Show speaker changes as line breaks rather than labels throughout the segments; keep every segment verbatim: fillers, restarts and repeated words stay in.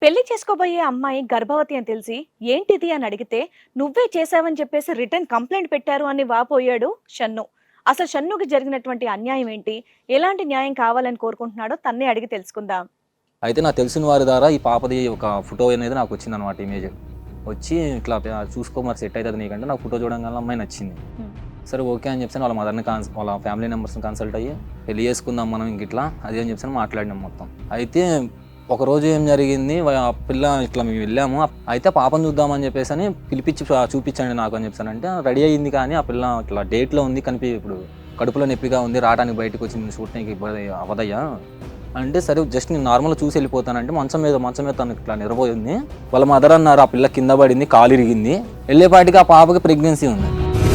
పెళ్లి చేసుకోబోయే అమ్మాయి గర్భవతి అని తెలిసి ఏంటిది అని అడిగితే నువ్వే చేశావని చెప్పేసి రిటర్న్ కంప్లైంట్ పెట్టారు అని వాపోయాడు షన్ను. అసలు షన్నుకి జరిగినటువంటి అన్యాయం ఏంటి, ఎలాంటి న్యాయం కావాలని కోరుకుంటున్నాడో తన్నే అడిగి తెలుసుకుందాం.
అయితే నాకు తెలిసిన వారి ద్వారా ఈ పాపది ఒక ఫోటో అనేది నాకు వచ్చింది అనమాట. ఇమేజ్ వచ్చి ఇట్లా చూసుకో మరి సెట్ అవుతుంది నీకంటే నాకు ఫోటో చూడగానే అమ్మాయి నచ్చింది. సరే ఓకే అని చెప్పాను. వాళ్ళ మదర్ని కాన్స్ వాళ్ళ ఫ్యామిలీ మెంబర్స్ని కన్సల్ట్ అయ్యి పెళ్లి చేసుకుందాం మనం ఇంక ఇట్లా అది అని చెప్పాను మాట్లాడినాం మొత్తం. అయితే ఒకరోజు ఏం జరిగింది, ఆ పిల్ల ఇట్లా మేము వెళ్ళాము. అయితే పాపను చూద్దామని చెప్పేసి అని పిలిపించి చూపించండి నాకు అని చెప్పాను. అంటే రెడీ అయ్యింది కానీ ఆ పిల్ల ఇట్లా డేట్లో ఉంది, కనిపి ఇప్పుడు కడుపులో నొప్పిగా ఉంది, రావడానికి బయటకు వచ్చింది, షూటింగ్కి ఇబ్బంది అవదయ్యా అంటే సరే జస్ట్ నేను నార్మల్గా చూసి వెళ్ళిపోతానంటే మంచం మీద మంచం మీద తనకి ఇట్లా నిరబోయింది. వాళ్ళ మదర్ అన్నారు ఆ పిల్ల కింద పడింది, కాలు ఇరిగింది, వెళ్ళేపాటికి ఆ పాపకి ప్రెగ్నెన్సీ ఉంది.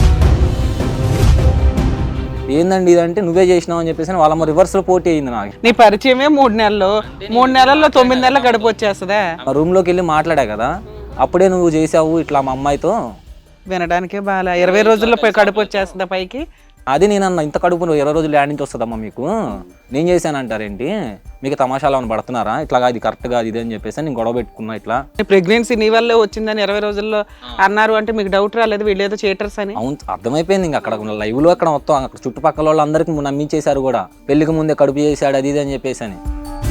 ఏందండి ఇదంటే నువ్వే చేసినావు అని చెప్పేసి వాళ్ళ రివర్స్లో పోటీ అయింది. నాకు
నీ పరిచయమే మూడు నెలలు మూడు నెలల్లో తొమ్మిది నెలలు గడుపు వచ్చేస్తుందా?
రూమ్లోకి వెళ్ళి మాట్లాడా కదా, అప్పుడే నువ్వు చేసావు ఇట్లా మా అమ్మాయితో.
వినడానికే బాగా ఇరవై రోజుల్లో పోయి కడుపు వచ్చేస్తుందా పైకి?
అది నేనన్నా ఇంత కడుపు ఇరవై రోజులు యాడ్ నుంచి వస్తుందమ్మా మీకు, నేను చేశానంటారేంటి, మీకు తమాషాలు అని పడుతున్నారా, ఇట్లా ఇది కరెక్ట్గా ఇది అని చెప్పేసి నేను గొడవ పెట్టుకున్నా. ఇట్లా
ప్రెగ్నెన్సీ నీ వల్లే వచ్చిందని ఇరవై రోజుల్లో అన్నారు అంటే మీకు డౌట్ రాలేదు వీళ్ళు ఏదో చేటర్స్ అని?
అవును అర్థమైపోయింది. ఇంకా అక్కడ లైవ్ లో అక్కడ మొత్తం అక్కడ చుట్టుపక్కల వాళ్ళందరికీ నమ్మించేశారు కూడా, పెళ్లికి ముందే కడుపు చేశాడు అది ఇది అని చెప్పేసి అని.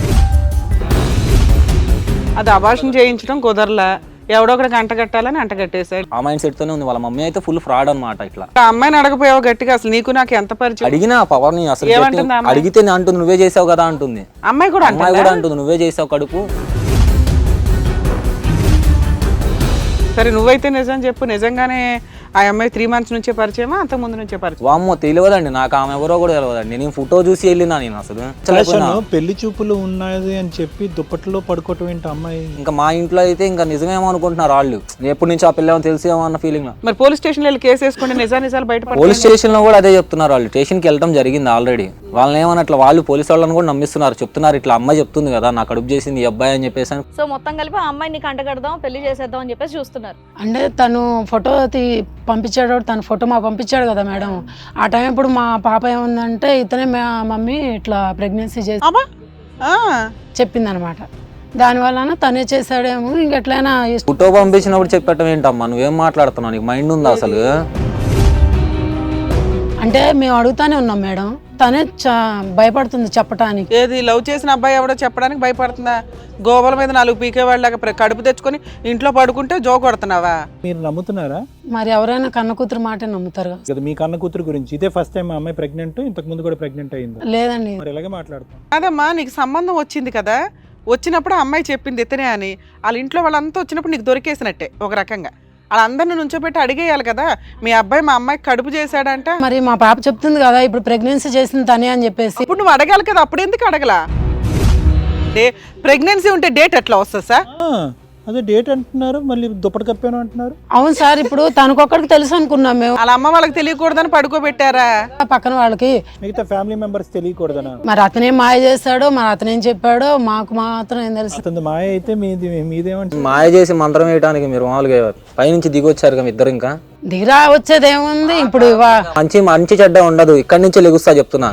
అది అబార్షన్ చేయించడం కుదరలా, ఎవడో ఒకటి గంట కట్టాలని అంట కట్టేశాడు.
ఆ మైండ్ సెట్ తోనే ఉంది. వాళ్ళ మమ్మీ అయితే ఫుల్ ఫ్రాడ్ అనమాట. ఇట్లా
ఆ అమ్మాయిని అడగపోయావు గట్టిగా, అసలు నీకు నాకు ఎంత పరిచయం?
అడిగినా పవర్ ని అసలు అడిగితే అంటుంది నువ్వే చేసావు కదా అంటుంది.
అమ్మాయి కూడా
అమ్మాయి కూడా అంటుంది నువ్వే చేసావు కడుపు.
సరే నువ్వైతే నిజం చెప్పు, నిజంగానే ఆ అమ్మాయి త్రీ మంత్స్ నుంచే పరిచయమా అంత ముందు నుంచే పరిచయం?
వామ్మో తెలియదండి నాకు, ఆమె ఎవరో కూడా తెలియదండి. నేను ఫోటో చూసి వెళ్ళినా నేను అసలు
పెళ్లి చూపులు ఉన్నది అని చెప్పి దుప్పట్లో పడుకోవటం ఏంటి అమ్మాయి?
ఇంకా మా ఇంట్లో అయితే ఇంకా నిజమేమో అనుకుంటున్నారు వాళ్ళు, ఎప్పటి నుంచి ఆ పిల్ల తెలిసేమో అన్న ఫీలింగ్.
మరి పోలీస్ స్టేషన్ వెళ్ళి కేసు వేసుకుంటే నిజా నిజాలు బయట
పోలీస్ స్టేషన్ లో కూడా అదే చెప్తున్నారు. వాళ్ళు స్టేషన్కి వెళ్ళడం జరిగింది ఆల్రెడీ. వాళ్ళని ఏమన్నట్ల వాళ్ళు పోలీసు వాళ్ళని కూడా నమ్మిస్తున్నారు, చెప్తున్నారు ఇట్లా అమ్మాయి చెప్తుంది కదా నా కడుపు చేసింది ఈ అబ్బాయి అని చెప్పేసి.
సో మొత్తం కలిపి ఆ అమ్మాయిని కంట కడదాం పెళ్లి చేసేద్దాం అని చెప్పేసి చూస్తున్నారు.
అంటే తను ఫోటో పంపించాడు, తన ఫోటో మాకు పంపించాడు కదా మేడం. ఆ టైం ఇప్పుడు మా పాప ఏముందంటే ఇతనే మా మమ్మీ ఇట్లా ప్రెగ్నెన్సీ చేసి చెప్పింది అనమాట. దానివల్ల తనే చేశాడేమో ఇంకెట్లయినా.
ఫోటో పంపించినప్పుడు చెప్పటం ఏంటమ్మా, నువ్వేం మాట్లాడుతున్నావు, నీకు మైండ్ ఉందా అసలు?
అంటే మేము అడుగుతానే ఉన్నాం మేడం, తనే భయపడుతుంది చెప్పడానికి.
ఏది లవ్ చేసిన అబ్బాయి ఎవడో చెప్పడానికి భయపడుతుందా? గోవల మీద నాలుగు పీకే వాళ్ళగా కడుపు తెచ్చుకొని ఇంట్లో పడుకుంటే జో కొడుతున్నావా?
మీరు నమ్ముతున్నారా?
మరి ఎవరైనా కన్న కూతురు మాట నమ్ముతారు
కదా. మీ కన్న కూతురు గురించి ఇదే ఫస్ట్ టైం అమ్మాయి ప్రెగ్నెంట్, ఇంతకు ముందు కూడా ప్రెగ్నెంట్ అయింది?
లేదండి.
మరి ఇలాగే మాట్లాడుతాం.
అదమ్మా నీకు సంబంధం వచ్చింది కదా, వచ్చినప్పుడు అమ్మాయి చెప్పింది ఇతనే అని, వాళ్ళ ఇంట్లో వాళ్ళంతా వచ్చినప్పుడు నీకు దొరికేసినట్టే ఒక రకంగా. వాళ్ళందరిని నుంచోబెట్టి అడిగేయాలి కదా, మీ అబ్బాయి మా అమ్మాయికి కడుపు చేశాడంట.
మరి మా పాప చెప్తుంది కదా ఇప్పుడు ప్రెగ్నెన్సీ చేసింది తనే అని చెప్పేసి.
ఇప్పుడు నువ్వు అడగాలి కదా, అప్పుడు ఎందుకు అడగలా? డే ప్రెగ్నెన్సీ ఉంటే డేట్ ఎట్లా వస్తుంది సార్?
అదే డేట్ అంటున్నారు, మళ్ళీ దుప్పటి కప్పాను అంటున్నారు.
అవును సార్, ఇప్పుడు తనకొక్కడికి తెలుసు అనుకున్నాం మేము.
వాళ్ళ అమ్మ వాళ్ళకి తెలియకూడదని పడుకోబెట్టారా?
పక్కన వాళ్ళకి
మిగతా ఫ్యామిలీ మెంబర్స్ తెలియకూడదనా?
మరి అతనేం మాయ చేస్తాడో, మరి అతనేం చెప్పాడో మాకు మాత్రం ఏం తెలుసు.
అతను మాయ అయితే మీది మీదేమంటే
మాయ చేసి మంత్రం వేయడానికి మీరు మామూలుగా పైనుంచి దిగి వచ్చారు కదా ఇద్దరు. ఇంకా
దిగిరా వచ్చేది ఏముంది ఇప్పుడు?
మంచి మంచి చెడ్డ ఉండదు, ఇక్కడి నుంచి లెగుస్తా చెప్తున్నా.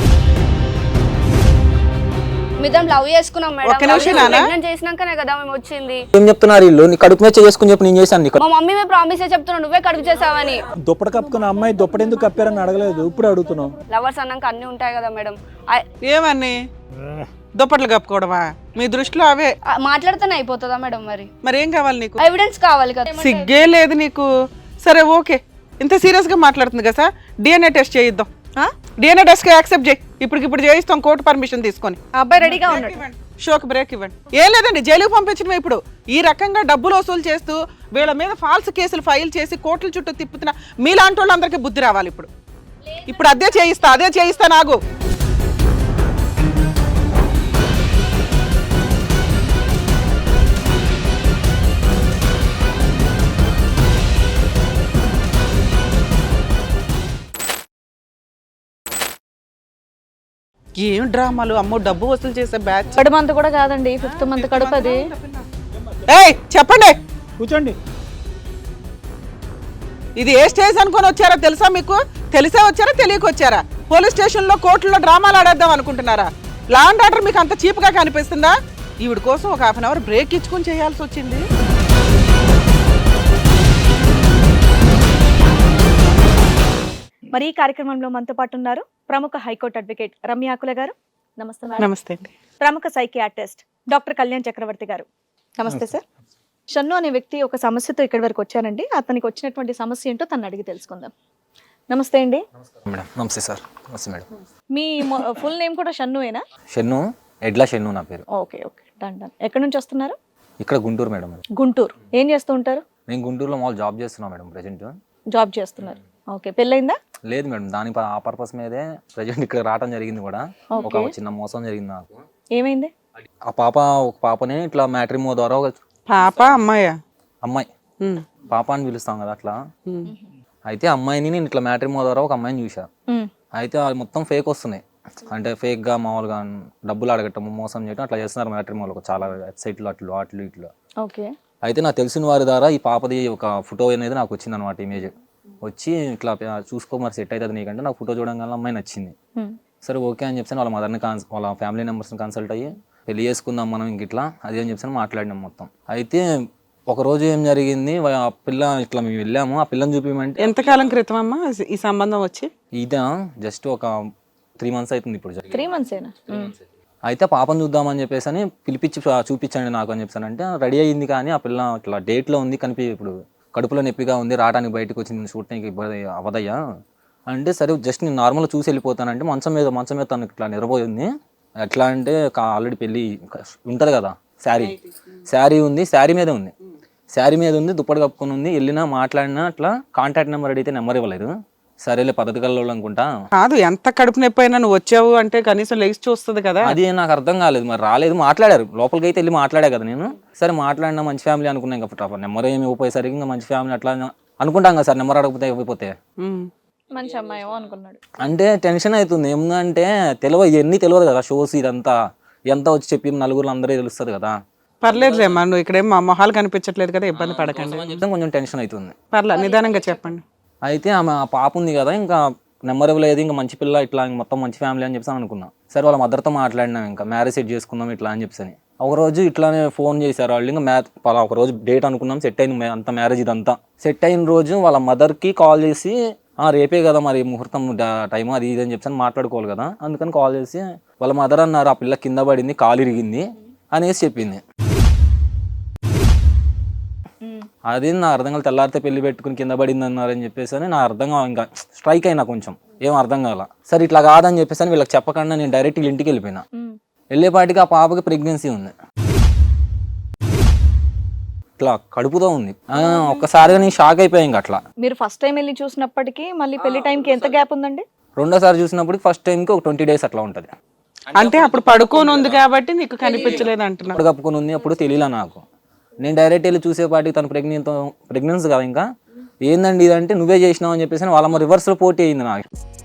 లవ్ చేసుకున్నాం మేడం, చేసినాకనే కదా మేము వచ్చింది.
ఏం చెప్తున్నారు వీళ్ళు? నీ కడుపు మీద చేసుకుని చెప్పి నేను చేశాను.
మా మమ్మీ మేము ప్రామిస్ చెప్తున్నావు నువ్వే కడుపు చేసావని.
దుప్పటి కప్పుకున్న అమ్మాయి దుప్పటి ఎందుకు కప్పారని అడగలేదు, ఇప్పుడు అడుగుతున్నావు.
లవర్స్ అన్నాక అన్ని ఉంటాయి కదా మేడం.
ఏమని దుప్పట్లు కప్పుకోవడమా మీ దృష్టిలో? అవే
మాట్లాడితేనే అయిపోతుందా మేడం? మరి
మరి ఏం కావాలి నీకు?
ఎవిడెన్స్ కావాలి కదా.
సిగ్గే లేదు నీకు. సరే ఓకే, ఇంత సీరియస్ గా మాట్లాడుతుంది కదా సార్, డిఎన్ఏ టెస్ట్ చేయిద్దాం. డిఎన్ఏ టెస్ట్ యాక్సెప్ట్ చేయి, ఇప్పటికిప్పుడు చేయిస్తాం కోర్టు పర్మిషన్ తీసుకొని.
అబ్బాయి రెడీగా ఉన్నాడు.
షోక్ బ్రేక్ ఇవ్వండి. ఏం లేదండి, జైలుకు పంపించడం. ఇప్పుడు ఈ రకంగా డబ్బులు వసూలు చేస్తూ వీళ్ళ మీద ఫాల్స్ కేసులు ఫైల్ చేసి కోర్టుల చుట్టూ తిప్పుతున్న మీలాంటి వాళ్ళందరికీ బుద్ధి రావాలి. ఇప్పుడు ఇప్పుడు అదే చేయిస్తా అదే చేయిస్తా నాగు. ఏం డ్రామాలు అమ్మో, డబ్బు వసూలు చేసే బ్యాచ్.
థర్డ్ మంత్ కూడా కాదండి, ఫిఫ్త్ మంత్ కడుపు అది.
ఏయ్ చెప్పండి,
కూర్చోండి.
ఇది ఏ స్టేజ్ అనుకొని వచ్చారో తెలుసా మీకు? తెలిసే వచ్చారా తెలియక వచ్చారా? పోలీస్ స్టేషన్ లో కోర్టులో డ్రామాలు ఆడేద్దాం అనుకుంటున్నారా? లా అండ్ ఆర్డర్ మీకు అంత చీప్ గా కనిపిస్తుందా? ఈవిడ కోసం ఒక హాఫ్ అన్ అవర్ బ్రేక్ ఇచ్చుకొని చేయాల్సి వచ్చింది.
మరి ఈ కార్యక్రమంలో మనతో పాటు ఉన్నారు ప్రముఖ హైకోర్టు అడ్వకేట్ రమ్యాకుల గారు. నమస్తే మేడం.
నమస్తే అండి.
ప్రముఖ సైకియాట్రిస్ట్ డాక్టర్ కళ్యాణ్ చక్రవర్తి గారు. నమస్తే సార్. షన్ను అనే వ్యక్తి ఒక సమస్యతో ఇక్కడి వరకు వచ్చారండి. అతనికి వచ్చినటువంటి సమస్య ఏంటో తను అడిగి తెలుసుకుందాం. నమస్తే అండి.
మేడం నమస్తే సార్. నమస్తే మేడం.
మీ ఫుల్ నేమ్ కూడా షన్నువేనా?
షన్ను, ఎడ్ల షన్ను నా పేరు.
Okay okay done done. ఎక్కడి నుంచి వస్తున్నారు?
ఇక్కడ గుంటూరు మేడం.
గుంటూరు. ఏం చేస్తూ ఉంటారు?
నేను గుంటూరులో మామూలు జాబ్ చేస్తున్నా మేడం ప్రజెంట్.
జాబ్ చేస్తున్నారు. ఓకే, పెళ్ళైందా?
లేదు మేడం, దాని ప- ఆ పర్పస్ మీదే ప్రజెంట్ ఇక్కడ రావడం జరిగింది కూడా. ఒక చిన్న మోసం జరిగింది నాకు.
ఏమైంది?
ఆ పాప ఒక పాపని ఇట్లా మ్యాట్రిమో ద్వారా ఒక
పాప అమ్మాయా?
అమ్మాయి,
ఉమ్,
పాప అని పిలుస్తాం కదా అట్లా.
ఉమ్.
అయితే అమ్మాయిని నేను ఇట్లా మ్యాట్రిమో ద్వారా ఒక అమ్మాయిని చూసా.
ఉమ్,
అయితే అది మొత్తం ఫేక్ వస్తున్నాయి. అంటే ఫేక్గా మామూలుగా డబ్బులు అడగటము, మోసం చేయటం అట్లా చేస్తున్నారు మ్యాట్రిమోలో చాలా వెబ్సైట్లు అట్లు అట్లు ఇట్లు.
ఓకే.
అయితే నాకు తెలిసిన వారి ద్వారా ఈ పాపది ఒక ఫోటో అనేది నాకు వచ్చింది అనమాట. ఇమేజ్ వచ్చి ఇట్లా ప- చూసుకో మరి సెట్ అవుతుంది నీకంటే నాకు ఫోటో చూడడం అమ్మాయి నచ్చింది.
ఉమ్,
సరే ఓకే అని చెప్పాను. వాళ్ళ మదర్ని కాన్స్ వాళ్ళ ఫ్యామిలీ మెంబర్స్ని కన్సల్ట్ అయ్యి పెళ్లి చేసుకుందాం మనం ఇంక ఇట్లా అది అని చెప్పాను మాట్లాడినాం మొత్తం. అయితే ఒక రోజు ఏం జరిగింది, వా- ఆ పిల్ల ఇట్లా మేము వెళ్ళాము, ఆ పిల్లని చూపించమంటే
ఎంతకాలం క్రితం అమ్మా ఈ సంబంధం వచ్చి?
ఇదే జస్ట్ ఒక త్రీ మంత్స్ అవుతుంది ఇప్పుడు జరిగి.
త్రీ మంత్స్ ఏనా? ఉమ్,
అయితే పాపను చూద్దామని చెప్పేసి అని పిలిపించి చూ- చూపించండి నాకు అని చెప్పాను. అంటే రెడీ అయ్యింది కానీ ఆ పిల్ల ఇట్లా డేట్లో ఉంది కనిపి ఇప్పుడు కడుపులో నొప్పిగా ఉంది, రావడానికి బయటకు వచ్చింది, షూటింగ్కి ఇబ్బంది అవదయ్యా అంటే సరే జస్ట్ నేను నార్మల్గా చూసి వెళ్ళిపోతానంటే మంచం మీద మంచం మీద తను ఇట్లా నిరబోయింది. ఎట్లా అంటే ఆల్రెడీ పెళ్ళి ఉంటుంది కదా, శారీ శారీ ఉంది, శారీ మీద ఉంది, శారీ మీద ఉంది, దుప్పటి కప్పుకొని ఉంది. వెళ్ళినా మాట్లాడినా అట్లా కాంటాక్ట్ నెంబర్ అడిగితే నెంబర్ ఇవ్వలేదు. సరేలే పద్ధతి కల్లో అనుకుంటా.
కాదు, ఎంత కడుపు నొప్పి అయినా నువ్వు వచ్చావు అంటే కనీసం లేచి చూస్తుంది కదా.
అది నాకు అర్థం కాలేదు, మరి రాలేదు. మాట్లాడారు, లోపలికి అయితే వెళ్ళి మాట్లాడా కదా నేను. సరే మాట్లాడినా మంచి ఫ్యామిలీ అనుకున్నాను. ఇంకా నెంబర్ ఏమి ఇవ్వపోయేసరికి ఇంకా మంచి ఫ్యామిలీ అట్లా అనుకుంటాం కదా సార్. నెంబర్ అడగకపోతే ఇవ్వకపోతే
ఉమ్.
మంచి అమ్మాయి ఏమో అనుకున్నాడు.
అంటే టెన్షన్ అవుతుంది. ఏమంటే తెలియదు, ఇవన్నీ తెలియదు కదా, షోస్ ఇదంతా ఎంత వచ్చి చెప్పి నలుగురు అందరూ తెలుస్తుంది కదా.
పర్లేదులేమ్మా, నువ్వు ఇక్కడేం మా మొహాలు కనిపించట్లేదు కదా, ఇబ్బంది పడకండి.
అని చెప్తే కొంచెం టెన్షన్ అవుతుంది.
పర్లే, నిదానంగా చెప్పండి.
అయితే ఆమె ఆ పాప ఉంది కదా, ఇంకా నెంబర్ ఇవ్వలేదు, ఇంకా మంచి పిల్ల ఇట్లా ఇంక మొత్తం మంచి ఫ్యామిలీ అని చెప్పి అనుకున్నాం. సరే వాళ్ళ మదర్తో మాట్లాడినాం, ఇంకా మ్యారేజ్ సెట్ చేసుకుందాం ఇట్లా అని చెప్పి. ఒక రోజు ఇట్లానే ఫోన్ చేశారు వాళ్ళు. ఇంకా మ్యాచ్ ఒక రోజు డేట్ అనుకున్నాం, సెట్ అయింది అంత మ్యారేజ్ ఇదంతా. సెట్ అయిన రోజు వాళ్ళ మదర్కి కాల్ చేసి ఆ రేపే కదా మరి ముహూర్తం టైం అది ఇది అని చెప్పి మాట్లాడుకోవాలి కదా, అందుకని కాల్ చేసి వాళ్ళ మదర్ అన్నారు ఆ పిల్ల కింద పడింది, కాలు ఇరిగింది అనేసి చెప్పింది. అది నా అర్థం కాదు. తెల్లారితే పెళ్లి పెట్టుకుని కింద పడింది అన్నారని చెప్పేసి అని నా అర్థం కాదు. ఇంకా స్ట్రైక్ అయినా కొంచెం ఏం అర్థం కాల. సరే ఇట్లా కాదని చెప్పేసి అని వీళ్ళకి చెప్పకుండా నేను డైరెక్ట్ ఇంటికి వెళ్ళిపోయినా. వెళ్ళేపాటికి ఆ పాపకి ప్రెగ్నెన్సీ ఉంది, ఇట్లా కడుపుతో ఉంది. ఒక్కసారిగా నేను షాక్ అయిపోయాను. ఇంకా అట్లా
మీరు ఫస్ట్ టైం వెళ్ళి చూసినప్పటికీ మళ్ళీ పెళ్లి టైంకి ఎంత గ్యాప్ ఉందండి?
రెండోసారి చూసినప్పుడు ఫస్ట్ టైంకి ఒక ట్వంటీ డేస్ అట్లా ఉంటుంది.
అంటే అప్పుడు పడుకొని ఉంది కాబట్టి నీకు కనిపించలేదు అంటున్నా.
అప్పుడు కప్పుకొని ఉంది, అప్పుడు తెలియలే నాకు. నేను డైరెక్ట్ వెళ్ళి చూసేపాటికి తను ప్రెగ్నెంట్ ప్రెగ్నెన్సీ కదా. ఇంకా ఏందండి ఇదంటే నువ్వే చేసినావు అని చెప్పేసి వాళ్ళ రివర్స్లో పోటీ అయింది నాకు.